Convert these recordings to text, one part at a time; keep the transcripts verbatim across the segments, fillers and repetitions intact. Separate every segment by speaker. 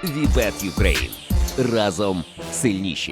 Speaker 1: Вібет Юкрейн. Разом сильніші.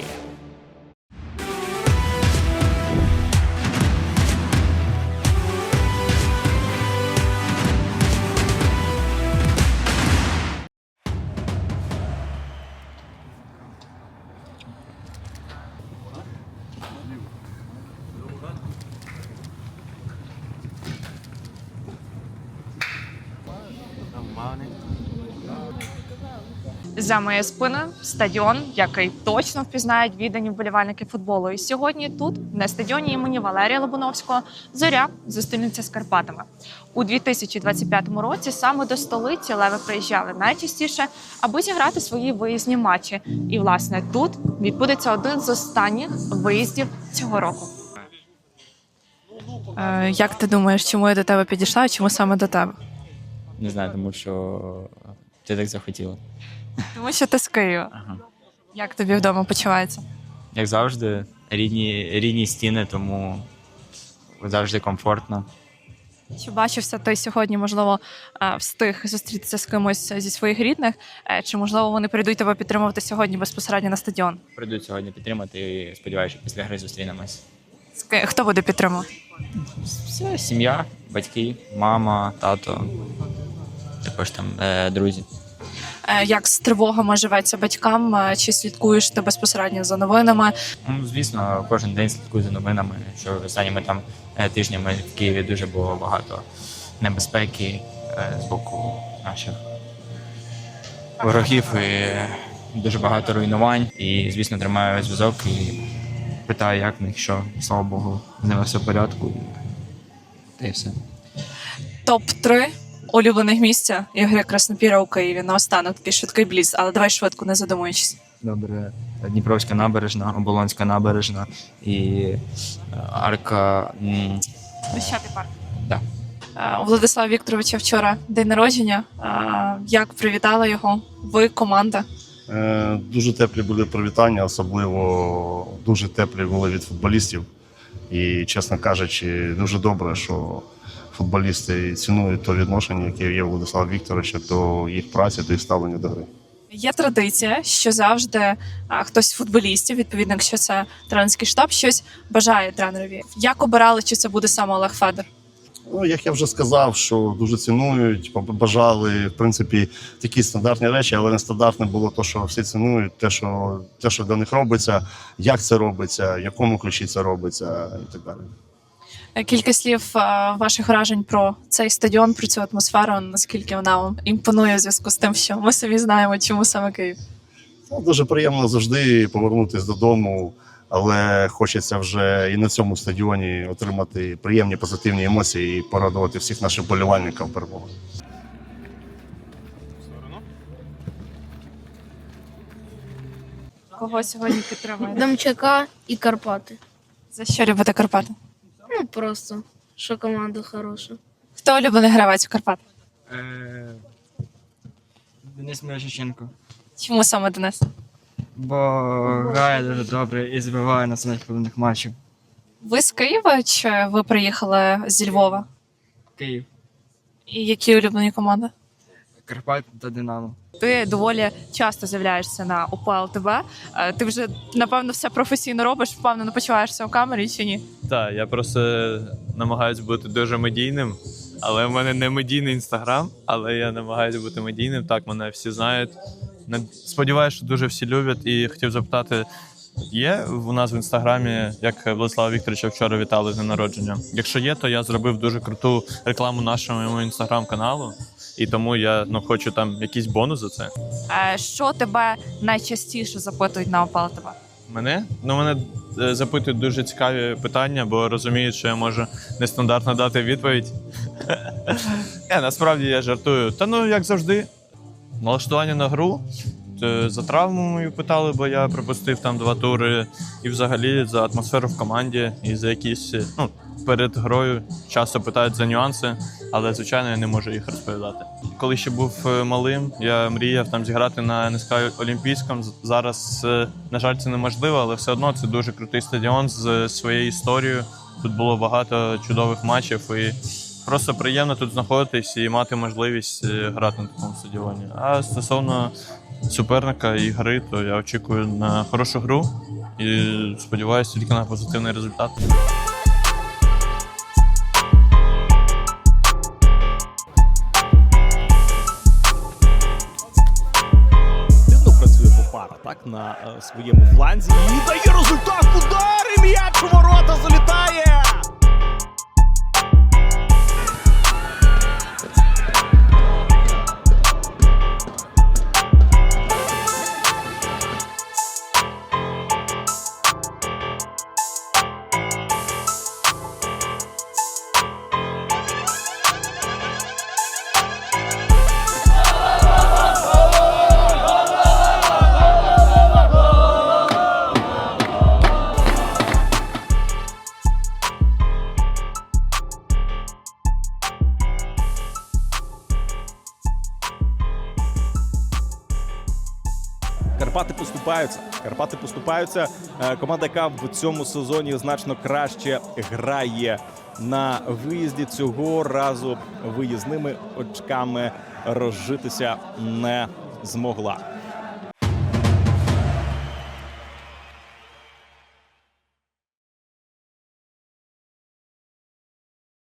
Speaker 2: За моєю спиною стадіон, який точно впізнають віддані вболівальники футболу. І сьогодні тут, на стадіоні імені Валерія Лобановського, «Зоря» зустрінеться з Карпатами. У дві тисячі двадцять п'ятому році саме до столиці леви приїжджали найчастіше, аби зіграти свої виїзні матчі. І, власне, тут відбудеться один з останніх виїздів цього року. Е, як ти думаєш, чому я до тебе підійшла, чому саме до тебе?
Speaker 3: Не знаю, тому що ти так захотіла.
Speaker 2: Тому що ти з Києва.
Speaker 3: Ага.
Speaker 2: Як тобі вдома почувається?
Speaker 3: Як завжди, рідні, рідні стіни, тому завжди комфортно.
Speaker 2: Чи бачився ти сьогодні, можливо, встиг зустрітися з кимось зі своїх рідних? Чи, можливо, вони прийдуть тебе підтримувати сьогодні безпосередньо на стадіон?
Speaker 3: Прийдуть сьогодні підтримати і сподіваюся, що після гри зустрінемось.
Speaker 2: Хто буде підтримувати?
Speaker 3: Все, сім'я, батьки, мама, тато, також там е, друзі.
Speaker 2: Як з тривогами живеться батькам? Чи слідкуєш ти безпосередньо за новинами?
Speaker 3: Ну, звісно, кожен день слідкую за новинами, що останніми там е, тижнями в Києві дуже було багато небезпеки е, з боку наших ворогів і дуже багато руйнувань. І, звісно, тримаю зв'язок і питаю, як в них, що, слава Богу, з ними все в порядку. Та й все.
Speaker 2: топ три улюблених місця Ігоря Краснопіра у Києві. Наостанок такий швидкий бліц, але давай швидко, не задумуючись.
Speaker 3: Добре. Дніпровська набережна, Оболонська набережна і е, арка. м,
Speaker 2: Хрещатий парк.
Speaker 3: Да.
Speaker 2: Е, У Владислава Вікторовича вчора день народження. Е, Як привітала його ви, команда?
Speaker 4: Е, Дуже теплі були привітання, особливо дуже теплі були від футболістів. І, чесно кажучи, дуже добре, що футболісти цінують то відношення, яке є у Владислава Вікторовича до їх праці, до їх ставлення до гри.
Speaker 2: Є традиція, що завжди а, хтось з футболістів, відповідно, якщо це тренерський штаб, щось бажає тренерові. Як обирали, чи це буде саме Олег Федор?
Speaker 4: Ну, як я вже сказав, що дуже цінують, бажали, в принципі, такі стандартні речі, але нестандартне було те, що всі цінують, те, що, те, що для них робиться, як це робиться, в якому ключі це робиться і так далі.
Speaker 2: Кілька слів а, ваших вражень про цей стадіон, про цю атмосферу, наскільки вона вам імпонує в зв'язку з тим, що ми самі знаємо, чому саме Київ.
Speaker 4: Ну, дуже приємно завжди повернутися додому, але хочеться вже і на цьому стадіоні отримати приємні позитивні емоції і порадувати всіх наших вболівальників перемогою.
Speaker 2: Кого сьогодні підтримуєте?
Speaker 5: Домчака і Карпати.
Speaker 2: За що любите Карпати?
Speaker 5: Ну просто, що команда хороша.
Speaker 2: Хто улюблений гравець у Карпат?
Speaker 6: Денис Мирошниченко.
Speaker 2: Чому саме Денис?
Speaker 6: Бо грає дуже добре і забиває на самих головних матчів.
Speaker 2: Ви з Києва чи ви приїхали зі Львова?
Speaker 6: Київ,
Speaker 2: І які улюблені команди?
Speaker 6: Карпат та Динамо.
Speaker 2: Ти доволі часто з'являєшся на УПЛ ТВ. Е, Ти вже, напевно, все професійно робиш, впевнено почуваєшся у камері чи ні?
Speaker 7: Так, я просто намагаюся бути дуже медійним, але в мене не медійний інстаграм, але я намагаюся бути медійним. Так, мене всі знають. Не- Сподіваюся, що дуже всі люблять. І хотів запитати, є у нас в інстаграмі, як Владислава Вікторовича вчора вітали з днем народження? Якщо є, то я зробив дуже круту рекламу нашому інстаграм-каналу. І тому я ну, хочу там якийсь бонус за це.
Speaker 2: Е, Що тебе найчастіше запитують на УПЛ ТВ?
Speaker 7: Мене? Ну, мене е, запитують дуже цікаві питання, бо розуміють, що я можу нестандартно дати відповідь. Я, насправді я жартую. Та ну, як завжди, налаштування на гру. Е, За травму мою питали, бо я пропустив там два тури. І взагалі за атмосферу в команді і за якісь, е, ну, перед грою часто питають за нюанси, але, звичайно, я не можу їх розповідати. Коли ще був е, малим, я мріяв там зіграти на ен ес ка Олімпійському. З- Зараз, е, на жаль, це неможливо, але все одно це дуже крутий стадіон з своєю історією. Тут було багато чудових матчів і просто приємно тут знаходитись і мати можливість е, грати на такому стадіоні. А стосовно суперника і гри, то я очікую на хорошу гру і сподіваюся тільки на позитивний результат.
Speaker 8: Активно працює Попара, так, на е, своєму фланзі. І дає результат, удар, і м'яч у ворота залітає! Карпати поступаються. Карпати поступаються. Е, Команда, яка в цьому сезоні значно краще грає на виїзді, цього разу виїзними очками розжитися не змогла.